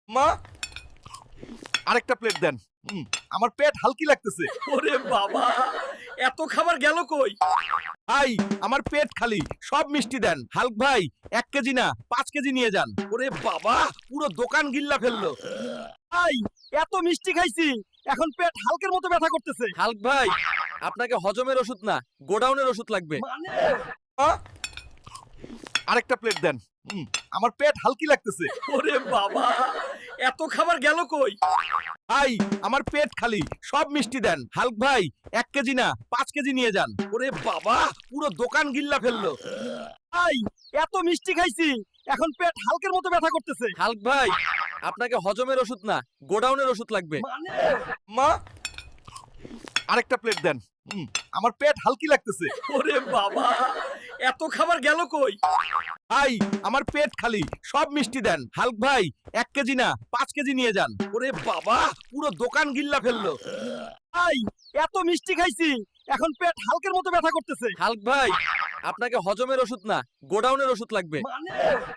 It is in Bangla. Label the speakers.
Speaker 1: মা, আরেকটা প্লেট দেন। আমার পেট হালকি লাগতেছে।
Speaker 2: ওরে বাবা, এত খাবার গেল কই?
Speaker 1: ভাই, আমার পেট খালি, সব মিষ্টি দেন। হাল্ক ভাই, 1 কেজি না 5 কেজি নিয়ে যান।
Speaker 2: ওরে বাবা,
Speaker 1: পুরো দোকান গিল্লা ফেললো।
Speaker 2: ভাই এত মিষ্টি খাইছি, এখন পেট হালকের মতো ব্যথা করতেছে।
Speaker 1: হাল্ক ভাই, আপনাকে হজমের ওষুধ না, গোডাউনের ওষুধ লাগবে।
Speaker 2: মানে
Speaker 1: মা, আরেকটা প্লেট দেন। আমার পেট হালকি লাগতেছে।
Speaker 2: ওরে বাবা, এত খাবার গেল কই?
Speaker 1: ভাই, আমার পেট খালি, সব মিষ্টি দেন। হাল্ক ভাই, 1 কেজি না 5 কেজি নিয়ে যান।
Speaker 2: ওরে বাবা,
Speaker 1: পুরো দোকান গিল্লা ফেললো।
Speaker 2: ভাই এত মিষ্টি খাইছি, এখন পেট হালকের মতো ব্যথা করতেছে।
Speaker 1: হাল্ক ভাই, আপনাকে হজমের ওষুধ না, গোডাউনের ওষুধ লাগবে।
Speaker 2: মানে
Speaker 1: মা, আরেকটা প্লেট দেন। আমার পেট হালকি লাগতেছে।
Speaker 2: ওরে বাবা, এত খাবার গেল কই?
Speaker 1: ভাই, আমার পেট খালি, সব মিষ্টি দেন। হাল্ক ভাই, 1 কেজি না 5 কেজি নিয়ে যান।
Speaker 2: ওরে বাবা,
Speaker 1: পুরো দোকান গিল্লা ফেললো।
Speaker 2: ভাই এত মিষ্টি খাইছি, এখন পেট হালকের মতো ব্যথা করতেছে।
Speaker 1: হাল্ক ভাই, আপনাকে হজমের ওষুধ না, গোডাউনের ওষুধ লাগবে।
Speaker 2: মানে